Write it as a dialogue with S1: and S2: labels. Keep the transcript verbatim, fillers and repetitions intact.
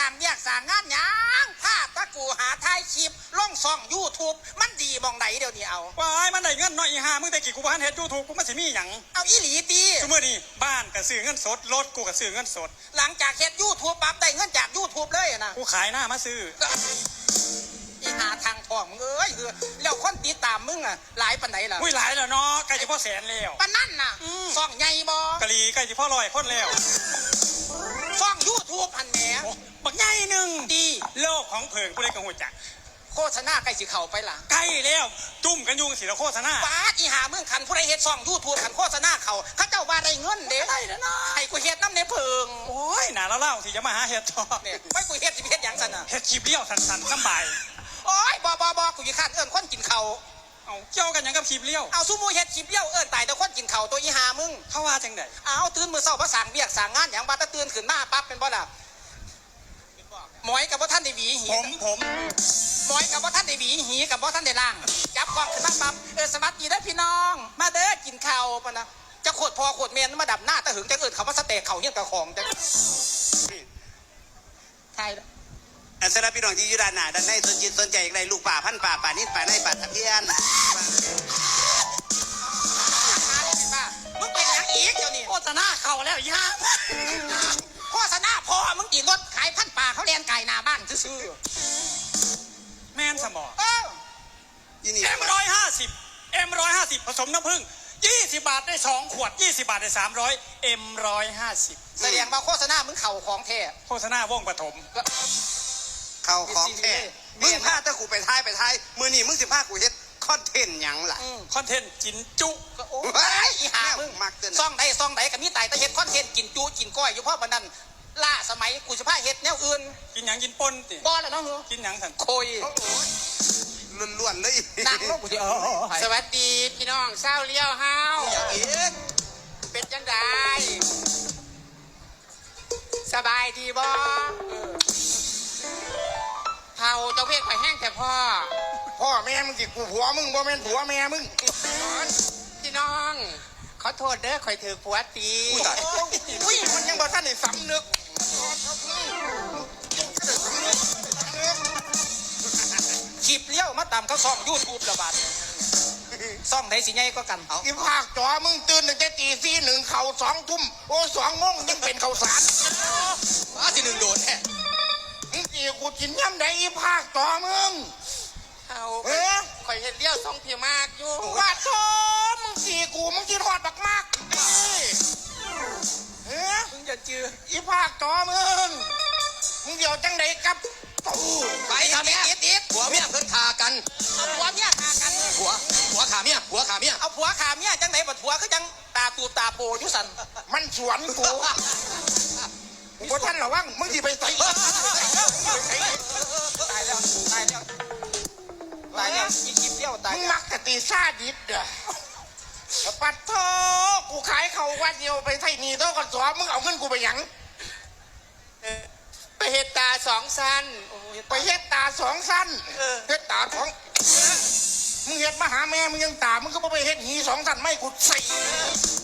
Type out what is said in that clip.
S1: างเรียกสางงานยังผ้าตะกูหาทายคลิปล่องซ่องยูทูบมันดีมองไหนเดี๋ยวนี้เอา
S2: ว้ายมันได้เงินน้อยอีห่ามึงแต่กี่กูบ้านเฮ็ดยูทูบกูมันสิมีหยัง
S1: เอาอีหลีตี
S2: ชั่วโมงนี้บ้านก็ซื้อเงินสดรถกูก็ซื้อเงินสด
S1: หลังจากเฮ็ดยูทูบปั๊บได้เงินจากยูทูบเลยนะ
S2: กูขายหน้ามาซื้อ
S1: อีหาทางทองมึงเอ้ยคือแล้วคนติดตามมึงอ่ะหลายปันไหนล่ะ
S2: อุ้ยหลายแล้วเนาะใกล้จะพ่อแสนแล้ว
S1: ปันนั่นน่ะซ่องใหญ่บ่
S2: กะลีใกล้จะพ่อลอยพ้นแล้ว
S1: ซ่องยูทูบพันแหม
S2: บักใหญ่หนึ่ง
S1: ดี
S2: โลกของเพิงกูเลยกังวลจัก
S1: โฆษณาใกล้สิเข่าไปล่ะ
S2: ใกล้แล้วจุ่มกันยุงสิแล้วโฆษณา
S1: ป้าอีหามึงขันผู้ใดเฮ็ดซ่องยูทูบขันโฆษณาเขาเขาเจ้าว่าได้เงินเด้ได้แล้วนะให้กูเฮ็ดน้ำในเพิง
S2: โอ้ยหนาเล่าๆที่จะมาหาเฮ็ดต่อ
S1: เนี่ยไม่กูเฮ็ดสิเฮ็ดหยังสันน่ะ
S2: เฮ็ดคลิปเลี้ยวสันๆสบาย
S1: โอ้ยบอบอบอกูอยู่ข้างเอิญคนกินเขา
S2: เอาเกี่ยวกันยังกับคลิปเลี้ยว
S1: เอาซูมูเฮ็ดคลิปเลี้ยวเอิญตายแต่คนกินเขาตัวอีหามึง
S2: เขาว่าจังได
S1: เอาตื่นมือเศร้าภาษาเบียกสางงานอย่างบ้าตะตื่นขึ้นมาปั๊บเป็นบ่ล่ะหมอยกับบ่ท่านได้หวีหี
S2: ผมผม
S1: หมอยกับบ่ท่านได้หวีหีกับบ่ท่านได้ล่างจับกล้องขึ้นมาปั๊บเออสวัสดีได้พี่น้องมาเด้อกินข้าวปะนะจะขวดพอขวดเมนมาดับหน้าตะหึงจะเอิญเขาว่าสเต็กเขาเฮี้ยนกระของจะใช่
S3: อันสำหรับพี่น้องที่อยู่ด้านหน้าด้านในสนจิตสนใจอะไรลูกป่าพันป่าป่านิดป่าในป่าตะเพียน
S1: มึงเป็นยังอีกเดี๋ยวนี้
S2: โฆษณาเข่าแล้วย่า
S1: โฆษณาพอมึงตีรถขายพันป่าเขาเรียนไก่หน้าบ้านซื้อ
S2: แม่นสมอง
S1: เออ
S2: เอ็มร้อยห้าสิบเอ็มร้อยห้าสิบผสมน้ำผึ้งยี่สิบบาทได้สองขวดยี่สิบบาทได้สามร้อยเอ็มร้อยห้าสิบ
S1: แสดงว่าโฆษณามึงเข่าของแท้
S2: โฆษณาวงปฐม
S3: เข่าของแท้มึงพาตะกูไปท้ายไปท้ายมือนี่มึงสิพากูเฮ็ดคอนเทนต์หยังล่ะ
S2: คอนเทนต์กินจุ
S1: โอ้ยอีหามึง
S3: มักเกิน
S1: ซ่องใดซ่องใดกับมีตายแต่เฮ็ดคอนเทนต์กินจุกินก้อยอยู่เพราะมันนั่นล่าสมัยกูจะพาเฮ็ดแนวอื่น
S2: กินหยังกินปนติ
S1: บ่แล้วเนาะเหรอ
S2: กินหยังสัน
S1: โคย
S3: ล้วนๆเลย
S1: นั่งลงกูสิเออสวัสดีพี่น้องเศร้าเลี้ยวเฮา
S3: อย่างอีก
S1: เป็นจังไดสบายดีบ่เฮาเจ้าเพศไปแห้งแต่พ่อ
S3: พ่อแม่มึงสิกูผัวมึงบ่แม่นผัวแม่มึง
S1: พี่น้องขอโทษเด้อข่อยถือผัวตี
S3: อุ้ยมันยังบ่ทันได้สำนึก
S1: คลิปเลี้ยวมาตามเขาซ่องยูทูบระบาดซ่องไหนสิใหญ่ก็กัน
S3: เอาอีภาคจอมึงตื่นตั้งแต่ตีสี่หนึ่งเข่าสองทุ่มโอ้สองโมงยังเป็นเข่าสาร
S1: มาสิหนึ่งโดนแท้
S3: มึงตีกูกินย่ำใดอีภาคจอมึง
S1: เอาเอ๊ะข่อยเห็นเลี้ยวซ่องพี่มากอยู่
S3: ว่าโธ่มึงตีกูมึงกินหอดบักมากเอ๊ะ
S1: มึงอย่าจื้อ
S3: อีภาคจอมึงมึงเดี๋ยวจังใดกับ
S1: ไปทำเมียติดติดผัวเมียเพิ่นขากันผัวเมียขากัน
S3: ผัวผัวขาเมียผัวขาเมีย
S1: เอาผัวขาเมียจังไหนบัดผัวก็จังตาตูตาโปยุสัน
S3: มันสวนกูพวกท่านระวังมึงที่ไปใส่
S1: ตายแล้วตายแล้วตายแล้วอีคลิปเดียวตาย
S3: มึงมักกะตีซาดิสเด้อปัดโธ่กูขายเขาวันเดียวไปไทยนี่โต๊ะกันสวมึงเอาเงินกูไปยัง
S1: ไปเฮ็ดตาสองสั้น
S3: ไปเฮ็ดตาสองสั้นเฮ็ดตาสองมึงเฮ็ดมาหาแม่มึงยังตามึงก็ไปเฮ็ดหีสองสั้นไม่กูใส่